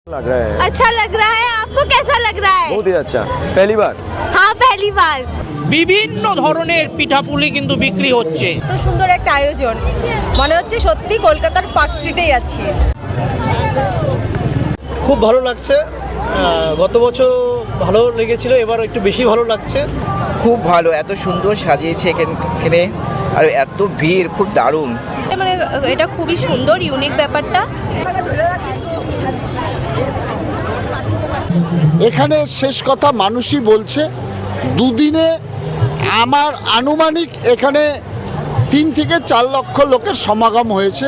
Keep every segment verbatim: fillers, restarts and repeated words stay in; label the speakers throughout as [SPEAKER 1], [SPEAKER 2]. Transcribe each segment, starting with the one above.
[SPEAKER 1] लग रहा है।
[SPEAKER 2] अच्छा लग रहा है, आपको कैसा लग रहा है?
[SPEAKER 1] बहुत ही अच्छा। पहली बार?
[SPEAKER 2] हाँ पहली बार।
[SPEAKER 3] বিভিন্ন ধরনের পিঠাপুলি কিন্তু বিক্রি হচ্ছে।
[SPEAKER 4] এত সুন্দর একটা আয়োজন, মনে হচ্ছে সত্যি কলকাতার পার্ক স্ট্রিটেই আছি।
[SPEAKER 5] খুব ভালো লাগছে, গত বছর ভালো লেগেছিল, এবার একটু বেশি ভালো লাগছে।
[SPEAKER 6] খুব ভালো, এত সুন্দর সাজিয়েছে এখানে, আর এত ভিড়, খুব দারুণ।
[SPEAKER 7] মানে এটা খুবই সুন্দর, ইউনিক ব্যাপারটা।
[SPEAKER 8] এখানে শেষ কথা মানুষই বলছে, দুদিনে আমার আনুমানিক এখানে তিন থেকে চার লক্ষ লোকের সমাগম হয়েছে।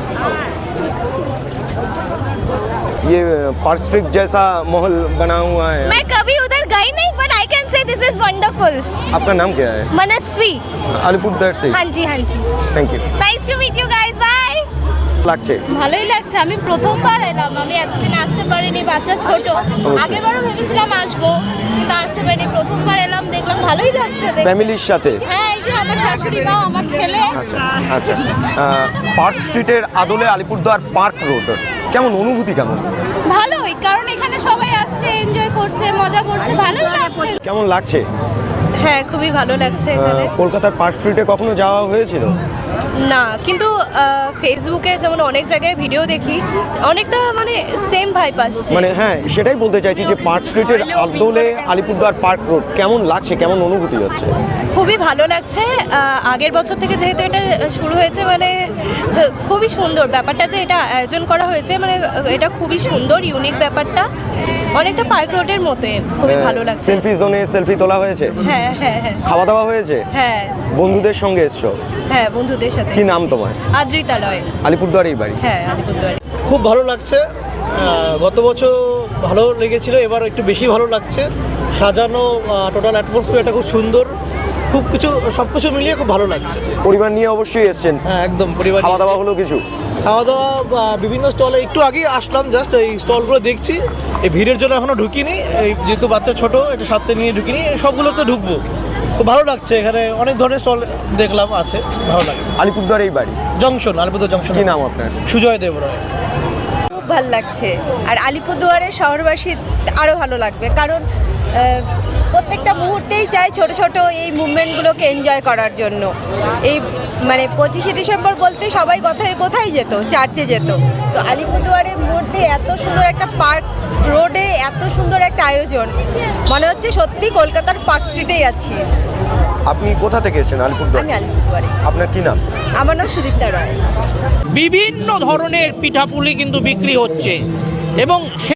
[SPEAKER 1] ये पार्क स्ट्रीट जैसा माहौल बना हुआ है।
[SPEAKER 2] मैं कभी उधर गई नहीं, but I can say this is wonderful.
[SPEAKER 1] आपका नाम क्या है?
[SPEAKER 2] मनस्वी।
[SPEAKER 1] अलीपुरदुआर से।
[SPEAKER 2] हाँ जी हाँ जी।
[SPEAKER 1] Thank you.
[SPEAKER 2] Nice to meet you guys, bye.
[SPEAKER 1] লাগছে
[SPEAKER 9] ভালোই লাগছে। আমি প্রথমবার এলাম, আমি এতদিন আসতে পারিনি, বাচ্চা ছোট। আগেরবারও ভেবেছিলাম আসবো, কিন্তু আসতে পারিনি। প্রথমবার এলাম, দেখলাম ভালোই লাগছে।
[SPEAKER 1] ফ্যামিলির সাথে?
[SPEAKER 9] হ্যাঁ, এই যে আমার শাশুড়ি মা, আমার ছেলে।
[SPEAKER 1] আচ্ছা, পার্ক স্ট্রিটের আদলে আলিপুরদুয়ার পার্ক রোড, কেমন অনুভূতি? কেমন?
[SPEAKER 9] ভালোই, কারণ এখানে সবাই আসছে, এনজয় করছে, মজা করছে, ভালোই লাগছে।
[SPEAKER 1] কেমন লাগছে?
[SPEAKER 7] হ্যাঁ খুবই ভালো লাগছে এখানে।
[SPEAKER 1] কলকাতার পার্ক স্ট্রিটে কখনো যাওয়া হয়েছিল?
[SPEAKER 7] না, কিন্তু ফেসবুকে যেমন অনেক জায়গায় ভিডিও দেখি, অনেকটা মানে সেম ভাইব আসছে।
[SPEAKER 1] মানে হ্যাঁ, সেটাই বলতে চাইছি যে পার্ক স্ট্রিটের আদলে আলিপুরদুয়ার পার্ক রোড কেমন লাগছে, কেমন অনুভূতি হচ্ছে?
[SPEAKER 7] খুবই ভালো লাগছে। আহ, আগের বছর থেকে যেহেতু এটা শুরু হয়েছে, মানে আহ, খুবই সুন্দর ব্যাপারটা যে এটা আয়োজন করা হয়েছে, মানে আহ, এটা খুবই সুন্দর, ইউনিক ব্যাপারটা, অনেকটা পার্ক রোডের মতে খুবই ভালো লাগছে।
[SPEAKER 1] সেলফি জোনে সেলফি তোলা হয়েছে?
[SPEAKER 7] হ্যাঁ হ্যাঁ হ্যাঁ
[SPEAKER 1] খাওয়া দাওয়া হয়েছে?
[SPEAKER 7] হ্যাঁ
[SPEAKER 1] বন্ধুদের সঙ্গে এসছো?
[SPEAKER 7] হ্যাঁ বন্ধুদের সাথে।
[SPEAKER 1] কি নাম তোমার?
[SPEAKER 7] আদ্রিতালয়।
[SPEAKER 1] আলিপুরদুয়ারেই বাড়ি?
[SPEAKER 7] হ্যাঁ আলিপুরদুয়ারে।
[SPEAKER 5] খুব ভালো লাগছে, গত বছর ভালো লেগেছিল, এবার একটু বেশি ভালো লাগছে। সাজানো, টোটাল অ্যাটমসফিয়ারটা খুব সুন্দর, খুব কিছু সব কিছু মিলিয়ে খুব ভালো লাগছে।
[SPEAKER 1] পরিবার নিয়ে অবশ্যই এসছেন?
[SPEAKER 5] হ্যাঁ একদম, পরিবার।
[SPEAKER 1] খাওয়া দাওয়া হলো কিছু?
[SPEAKER 5] খাওয়া দাওয়া বা বিভিন্ন স্টলে একটু আগেই আসলাম, জাস্ট এই স্টলগুলো দেখছি। এই ভিড়ের জন্য এখনও ঢুকিনি, এই যেহেতু বাচ্চা ছোটো, একটু সাথে নিয়ে ঢুকিনি, সবগুলোতে ঢুকবো। খুব ভালো লাগছে, এখানে অনেক ধরনের স্টল দেখলাম আছে, ভালো লাগছে।
[SPEAKER 1] আলিপুরদুয়ারেই বাড়ি?
[SPEAKER 5] Junction, Alipurduar junction.
[SPEAKER 1] কি নাম আপনার?
[SPEAKER 5] সুজয় দেব রায়।
[SPEAKER 4] খুব ভালো লাগছে, আর আলিপুরদুয়ারের শহরবাসী আরও ভালো লাগবে, কারণ আহ, প্রত্যেকটা মুহূর্তেই চাই ছোট ছোট এই মুভমেন্টগুলোকে এনজয় করার জন্য। এই মানে পঁচিশে ডিসেম্বর বলতে সবাই কোথায় কোথায় যেত, চার্চে যেত, তো আলিপুরদুয়ারের মধ্যে এত সুন্দর একটা পার্ক রোডে এত সুন্দর একটা আয়োজন, মনে হচ্ছে সত্যি কলকাতার পার্ক স্ট্রিটেই আছি।
[SPEAKER 1] আপনি কোথা থেকে এসেছেন? আলিপুরদুয়ার।
[SPEAKER 4] আমি আলিপুরদুয়ারে।
[SPEAKER 1] আপনার কি নাম?
[SPEAKER 4] আমার নাম সুদীপ্তা রায়।
[SPEAKER 3] বিভিন্ন ধরনের পিঠাপুলি কিন্তু বিক্রি হচ্ছে এবং